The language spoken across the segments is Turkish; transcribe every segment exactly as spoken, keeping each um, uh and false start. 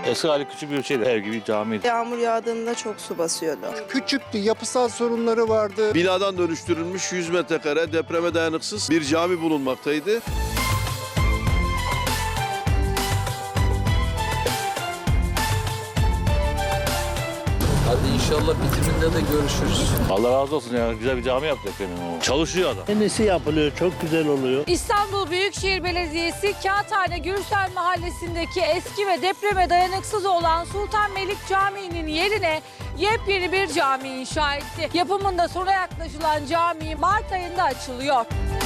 Eski hali küçük bir şeydi. Ev gibi camiydi. Yağmur yağdığında çok su basıyordu. Küçüktü, yapısal sorunları vardı. Binadan dönüştürülmüş yüz metrekare depreme dayanıksız bir cami bulunmaktaydı. Hadi inşallah bitiminde de görüşürüz. Allah razı olsun ya. Güzel bir cami yaptı efendim. Çalışıyor adam. Yenisi yapılıyor, çok güzel oluyor. İstanbul Büyükşehir Belediyesi Kağıthane Gürsel Mahallesi'ndeki eski ve depreme dayanıksız olan Sultanmelik Camii'nin yerine yepyeni bir cami inşa etti. Yapımında sona yaklaşılan cami Mart ayında açılıyor.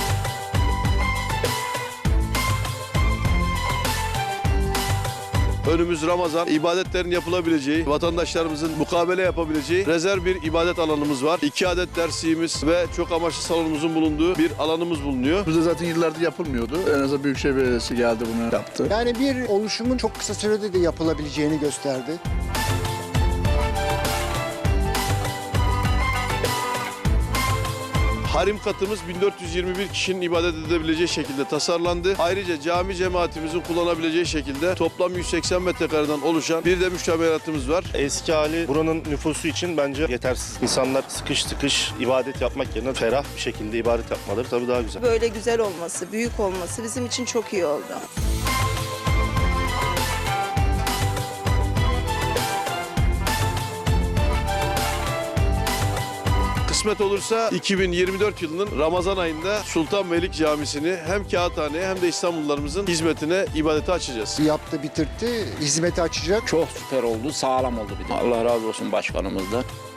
Önümüz Ramazan, ibadetlerin yapılabileceği, vatandaşlarımızın mukabele yapabileceği rezerv bir ibadet alanımız var. İki adet dersliğimiz ve çok amaçlı salonumuzun bulunduğu bir alanımız bulunuyor. Burada zaten yıllardır yapılmıyordu. En azından Büyükşehir Belediyesi geldi bunu yaptı. Yani bir oluşumun çok kısa sürede de yapılabileceğini gösterdi. Harim katımız bin dört yüz yirmi bir kişinin ibadet edebileceği şekilde tasarlandı. Ayrıca cami cemaatimizin kullanabileceği şekilde toplam yüz seksen metrekareden oluşan bir de müştemilatımız var. Eski hali buranın nüfusu için bence yetersiz. İnsanlar sıkış tıkış ibadet yapmak yerine ferah bir şekilde ibadet yapmaları tabii daha güzel. Böyle güzel olması, büyük olması bizim için çok iyi oldu. Kısmet olursa iki bin yirmi dört yılının Ramazan ayında Sultanmelik Camisi'ni hem Kağıthane'ye hem de İstanbullularımızın hizmetine, ibadete açacağız. Yaptı, bitirtti, hizmeti açacak. Çok süper oldu, sağlam oldu bir de. Allah razı olsun başkanımızdan.